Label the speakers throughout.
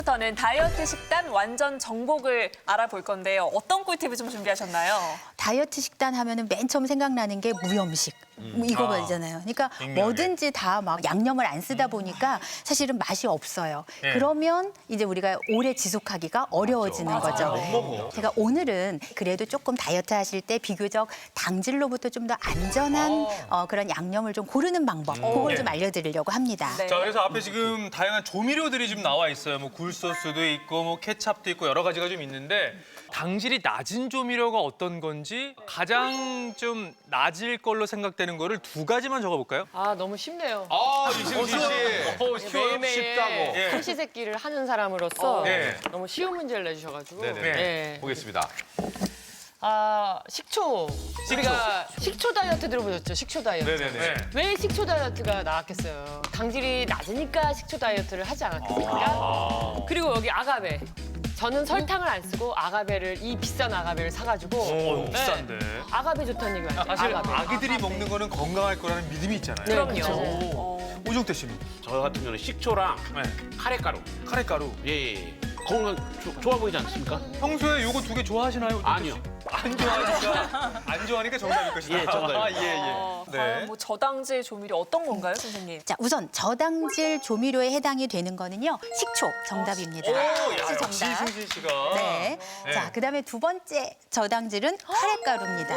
Speaker 1: 부터는 다이어트 식단 완전 정복을 알아볼 건데요. 어떤 꿀팁을 좀 준비하셨나요?
Speaker 2: 다이어트 식단 하면은 맨 처음 생각나는 게 무염식. 뭐 이거잖아요. 그러니까 뭐든지 다 막 양념을 안 쓰다 보니까 사실은 맛이 없어요.
Speaker 3: 네.
Speaker 2: 그러면 이제 우리가 오래 지속하기가 어려워지는 거죠.
Speaker 3: 못 먹어.
Speaker 2: 제가 오늘은 그래도 조금 다이어트 하실 때 비교적 당질로부터 좀 더 안전한 그런 양념을 좀 고르는 방법, 그걸 좀 알려드리려고 합니다.
Speaker 1: 네.
Speaker 3: 자, 그래서 앞에 지금 다양한 조미료들이 지금 나와 있어요. 뭐 굴소스도 있고 뭐 케찹도 있고 여러 가지가 좀 있는데 당질이 낮은 조미료가 어떤 건지 가장 좀 낮을 걸로 생각되는 거를 두 가지만 적어볼까요?
Speaker 4: 아 너무 쉽네요.
Speaker 5: 아, 이승기 씨.
Speaker 4: 매일매일
Speaker 5: 쉽다고.
Speaker 3: 예.
Speaker 4: 삼시세끼를 하는 사람으로서
Speaker 3: 네.
Speaker 4: 너무 쉬운 문제를 내주셔가지고.
Speaker 5: 네네.
Speaker 4: 네.
Speaker 5: 보겠습니다.
Speaker 4: 아 식초. 우리가 식초 다이어트 들어보셨죠? 식초 다이어트.
Speaker 5: 네네네.
Speaker 4: 왜 식초 다이어트가 나왔겠어요? 당질이 낮으니까 식초 다이어트를 하지 않았겠습니까? 그리고 여기 아가베. 저는 설탕을 안 쓰고 아가베를 이 비싼 아가베를 사가지고
Speaker 3: 오, 비싼데.
Speaker 4: 아가베 좋다는 얘기 많죠.
Speaker 3: 사실
Speaker 4: 아가베.
Speaker 3: 아기들이 먹는 거는 건강할 거라는 믿음이 있잖아요.
Speaker 4: 네,
Speaker 1: 그럼요.
Speaker 4: 그렇죠.
Speaker 3: 오정태 씨는?
Speaker 6: 저 같은 경우는 식초랑
Speaker 3: 네.
Speaker 6: 카레가루.
Speaker 3: 카레가루.
Speaker 6: 예. 건강 좋아 보이지 않습니까?
Speaker 3: 평소에 요거 두 개 좋아하시나요? 오정태
Speaker 6: 아니요.
Speaker 3: 씨? 안 좋아하니까 안 좋아하니까 정답일 것이다.
Speaker 6: 예, 정답입니다.
Speaker 3: 아, 예, 예.
Speaker 1: 과연 뭐 저당질 조미료 어떤 건가요, 선생님?
Speaker 2: 자, 우선 저당질 조미료에 해당이 되는 거는요, 식초 정답입니다.
Speaker 3: 오, 야,
Speaker 2: 식초
Speaker 3: 역시
Speaker 2: 정답.
Speaker 3: 승진 씨가.
Speaker 2: 네.
Speaker 3: 네.
Speaker 2: 자, 그다음에 두 번째 저당질은 카레가루입니다.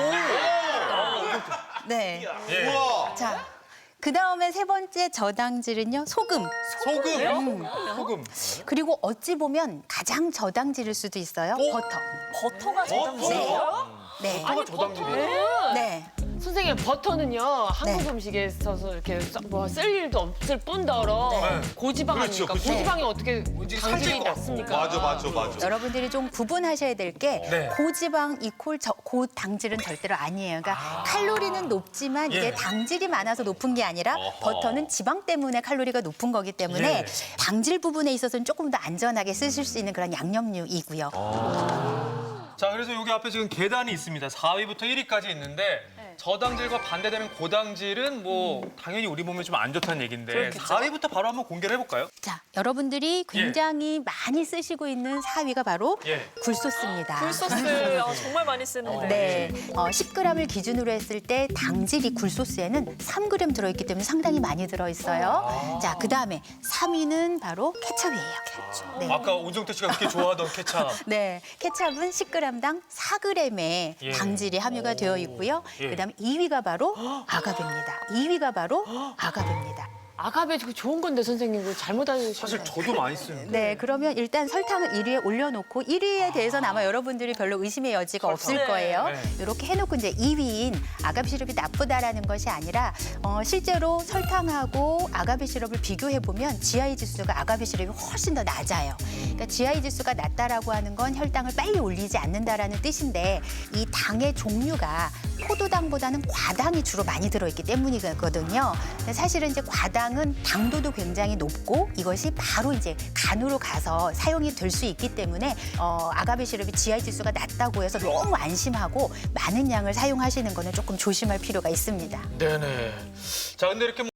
Speaker 2: 네.
Speaker 3: 예.
Speaker 5: 우와.
Speaker 2: 자, 그다음에 세 번째 저당질은요, 소금.
Speaker 3: 소금. 소금.
Speaker 2: 그리고 어찌 보면 가장 저당질일 수도 있어요, 버터.
Speaker 1: 버터가 저당질이에요?
Speaker 2: 네.
Speaker 3: 버터가 저당질이에요?
Speaker 2: 네.
Speaker 4: 선생님 버터는요 한국
Speaker 2: 네.
Speaker 4: 음식에 있어서 이렇게 뭐쓸 일도 없을 뿐더러
Speaker 3: 네.
Speaker 4: 고지방
Speaker 3: 그렇죠,
Speaker 4: 아닙니까?
Speaker 3: 그렇죠.
Speaker 4: 고지방이 어떻게
Speaker 3: 왠지
Speaker 4: 당질이
Speaker 3: 살찔 것 같고.
Speaker 4: 낮습니까?
Speaker 5: 맞아.
Speaker 2: 여러분들이 좀 구분하셔야 될 게
Speaker 3: 네.
Speaker 2: 고지방 이콜 고당질은 절대로 아니에요. 그러니까 칼로리는 높지만 이게
Speaker 3: 예.
Speaker 2: 당질이 많아서 높은 게 아니라 버터는 지방 때문에 칼로리가 높은 거기 때문에
Speaker 3: 예.
Speaker 2: 당질 부분에 있어서는 조금 더 안전하게 쓰실 수 있는 그런 양념류이고요.
Speaker 3: 자, 그래서 여기 앞에 지금 계단이 있습니다. 4위부터 1위까지 있는데 저당질과 반대되는 고당질은 뭐 당연히 우리 몸에 좀 안 좋다는 얘기인데 4위부터 바로 한번 공개를 해볼까요?
Speaker 2: 자, 여러분들이 굉장히 많이 쓰시고 있는 4위가 바로
Speaker 3: 예.
Speaker 2: 굴소스입니다.
Speaker 1: 굴소스 정말 많이 쓰는데.
Speaker 2: 네, 10g을 기준으로 했을 때 당질이 굴소스에는 3g 들어있기 때문에 상당히 많이 들어있어요. 자, 그다음에 3위는 바로 케첩이에요. 네.
Speaker 3: 아까 오정태 씨가 그렇게 좋아하던 케찹.
Speaker 2: 네, 케첩은 10g당 4g의
Speaker 3: 예.
Speaker 2: 당질이 함유가 되어 있고요.
Speaker 3: 예.
Speaker 2: 그다음에 2위가 바로 아가베입니다. 2위가 바로 아가베입니다.
Speaker 4: 아가베 그거 좋은 건데 선생님 그거 잘못 알으신
Speaker 3: 사실
Speaker 4: 거예요.
Speaker 3: 저도 많이 쓰는데.
Speaker 2: 네, 그러면 일단 설탕을 1위에 올려놓고 1위에 대해서는 아마 여러분들이 별로 의심의 여지가 없을
Speaker 1: 네.
Speaker 2: 거예요.
Speaker 3: 네.
Speaker 2: 이렇게 해놓고 이제 2위인 아가베 시럽이 나쁘다라는 것이 아니라 실제로 설탕하고 아가베 시럽을 비교해 보면 GI 지수가 아가베 시럽이 훨씬 더 낮아요. 그러니까 GI 지수가 낮다라고 하는 건 혈당을 빨리 올리지 않는다라는 뜻인데 이 당의 종류가 포도당보다는 과당이 주로 많이 들어있기 때문이거든요. 근데 사실은 이제 과당은 당도도 굉장히 높고 이것이 바로 이제 간으로 가서 사용이 될 수 있기 때문에 아가베 시럽이 GI 지수가 낮다고 해서 너무 안심하고 많은 양을 사용하시는 거는 조금 조심할 필요가 있습니다.
Speaker 3: 네네. 자, 근데 이렇게